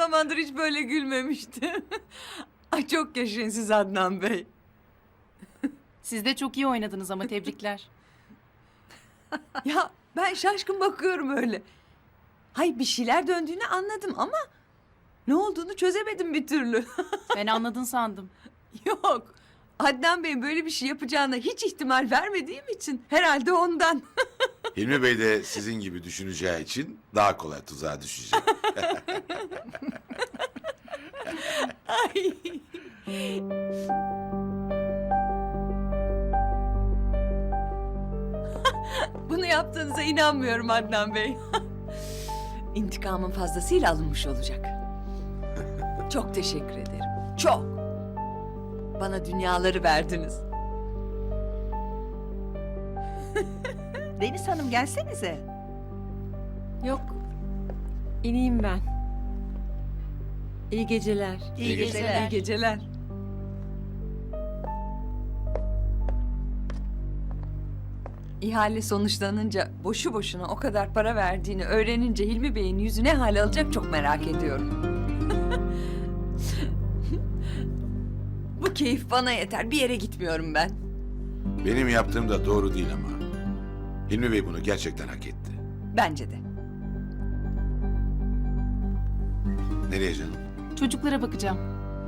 zamandır hiç böyle gülmemiştim. Ay çok yaşayın siz Adnan Bey. Siz de çok iyi oynadınız ama tebrikler. Ya ben şaşkın bakıyorum öyle. Hay bir şeyler döndüğünü anladım ama ne olduğunu çözemedim bir türlü. Ben anladın sandım. Yok. Adnan Bey böyle bir şey yapacağına hiç ihtimal vermediğim için herhalde ondan. Hilmi Bey de sizin gibi düşüneceği için daha kolay tuzağa düşecek. Ay. Bunu yaptığınıza inanmıyorum Adnan Bey. İntikamın fazlasıyla alınmış olacak. Çok teşekkür ederim. Çok. Bana dünyaları verdiniz. Deniz Hanım gelsenize. Yok. İneyim ben. İyi geceler. İyi geceler. İyi geceler. İhale sonuçlanınca boşu boşuna o kadar para verdiğini öğrenince Hilmi Bey'in yüzü ne hal alacak çok merak ediyorum. Bu keyif bana yeter. Bir yere gitmiyorum ben. Benim yaptığım da doğru değil ama. Hilmi Bey bunu gerçekten hak etti. Bence de. Nereye canım? Çocuklara bakacağım.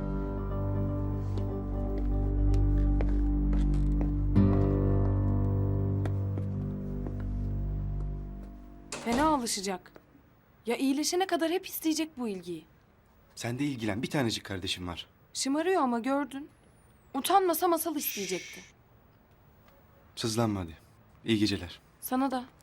Fena alışacak. Ya iyileşene kadar hep isteyecek bu ilgiyi. Sen de ilgilen. Bir tanecik kardeşim var. Şımarıyor ama gördün. Utanmasa masal isteyecekti. Sızlanma hadi. İyi geceler. Sana da.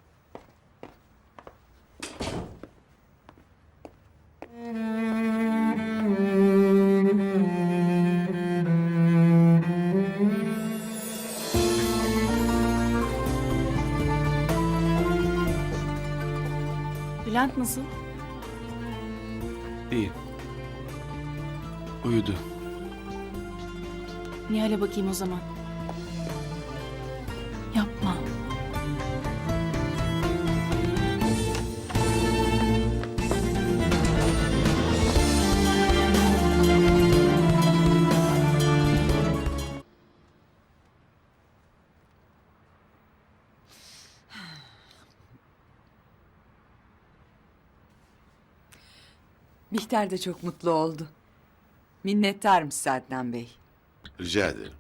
Bülent nasıl? İyi. Uyudu. Nihal'e bakayım o zaman. Yapma. Bihter de çok mutlu oldu. Minnettarım size Adnan Bey. Rica ederim.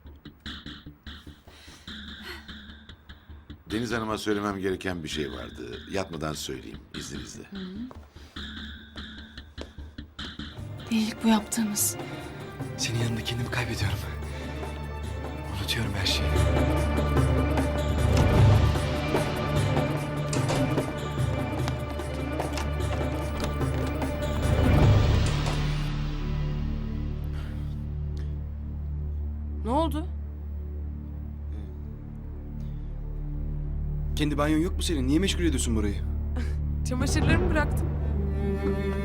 Deniz Hanım'a söylemem gereken bir şey vardı. Yatmadan söyleyeyim izninizle. Delilik bu yaptığımız. Senin yanında kendimi kaybediyorum. Unutuyorum her şeyi. Ne oldu? Kendi banyon yok mu senin? Niye meşgul ediyorsun burayı? Çamaşırlarımı bıraktım.